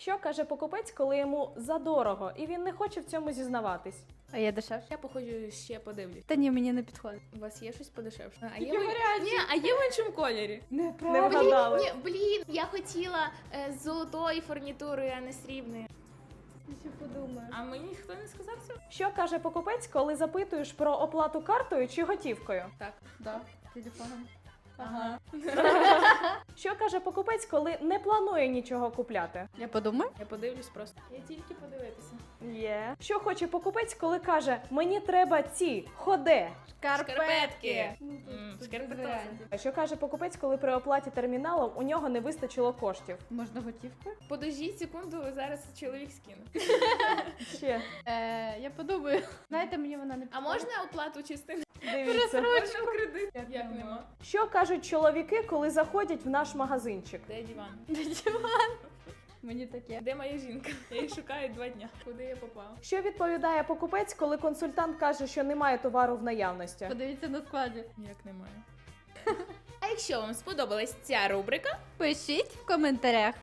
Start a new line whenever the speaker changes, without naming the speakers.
Що каже покупець, коли йому задорого, і він не хоче в цьому зізнаватись?
А я дешевше?
Я, походу, ще подивлюсь.
Та ні, мені не підходить.
У вас є щось подешевше?
Які варіанти?
Ні, а є в іншому кольорі.
Не вгадали.
Ні, блін, я хотіла з золотою фурнітурою, а не срібною.
Ще подумаю.
А мені ніхто не сказав цього?
Що каже покупець, коли запитуєш про оплату картою чи готівкою?
Так.
Да, телефоном.
Ага.
Що каже покупець, коли не планує нічого купляти?
Я подумаю.
Я подивлюсь просто. Я тільки подивитися.
Є. Що хоче покупець, коли каже «мені треба ці, ходе»?
Шкарпетки.
Тут
Шкарпетки.
без варіантів.
А що каже покупець, коли при оплаті терміналом у нього не вистачило коштів?
Можна готівкою?
Подождіть секунду, зараз чоловік скине.
Ще.
Я подумаю. Знаєте, мені вона не
А можна оплату частини?
Дивіться.
Можна в кредит? Як нема?
Що кажуть чоловіки, коли заходять в наш магазинчик?
Де диван?
Мені таке.
Де моя жінка? Я її шукаю 2 дня. Куди я попав?
Що відповідає покупець, коли консультант каже, що немає товару в наявності?
Подивіться на складі.
Як немає. А якщо вам сподобалась ця рубрика,
Пишіть в коментарях.